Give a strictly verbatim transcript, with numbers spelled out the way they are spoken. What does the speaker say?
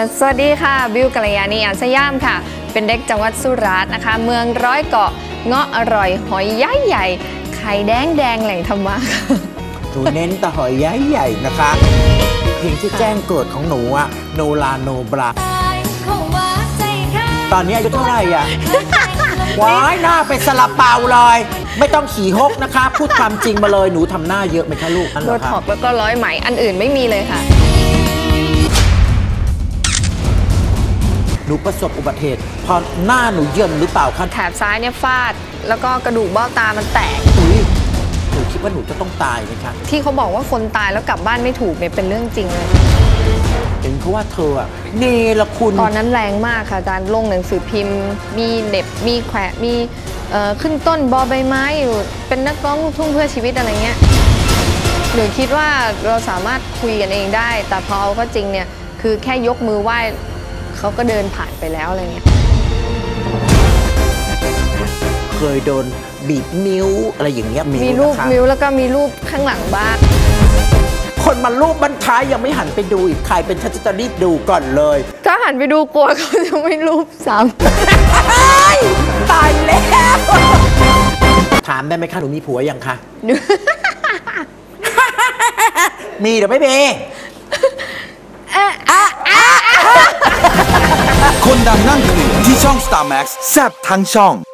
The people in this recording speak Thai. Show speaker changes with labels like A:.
A: สวัสดีค่ะบิวกัลยาณีอันสยามค่ะเป็นเด็กจังหวัดสุราษฎร์นะคะเมืองร้อยเกาะเงาะอร่อยหอยใหญ่ใหญ่ไข่แดงแดงแหล่งธรรมะ
B: หนูเน้นแต่หอยใหญ่ใหญ่นะคะเพลงที่แจ้งเกิดของหนูอะโนลาโนบราตอนนี้อายุเท่าไหร่อะว้ายหน้าเป็นซาลาเปาเลยไม่ต้องขี่ฮกนะคะพูดความจริงมาเลยหนูทำหน้าเยอะไหมคะลูก
A: โดท็อกแล้วก็ร้อยไหมอันอื่นไม่มีเลยค่ะ
B: หนูประสบอุบัติเหตุพอหน้าหนูเยินหรือเปล่าคะ
A: แถบซ้ายเนี่ยฟาดแล้วก็กระดูกเบ้าตามันแตก
B: อุ้ยหนูคิดว่าหนูจะต้องตายไหมคะ
A: ที่เขาบอกว่าคนตายแล้วกลับบ้านไม่ถูกเนี่ยเป็นเรื่องจริงเลย
B: เห็นเขาว่าเธอเนรคุณ
A: ตอนนั้นแรงมากค่ะอาจารย์ลงหนังสือพิมพ์มีเด็บมีแขวะมีขึ้นต้นบอใบไม้อยู่เป็นนักร้องลูกทุ่งเพื่อชีวิตอะไรเงี้ยหนูคิดว่าเราสามารถคุยกันเองได้แต่พอเอาก็จริงเนี่ยคือแค่ยกมือไหว้เขาก็เดินผ่านไปแล้วอะไรเงี้ย
B: เคยโดนบีบนิ้วอะไรอย่างเงี้ย
A: มีรูปนิ้วแล้วก็มีรูปข้างหลังบ้าน
B: คนมารูปบรรท้ายยังไม่หันไปดูอีกใครเป็นฉันจะรีบดูก่อนเลย
A: ถ้าหันไปดูกลัวเขาจะไม่รูปซ้
B: ำตายแล้วถามได้ไหมคะหนูมีผัวยังคะมีหรือไม่มี
C: คนดังนั่งเคลียร์ที่ช่อง สตาร์ แม็กซ์ แซ่บทั้งช่อง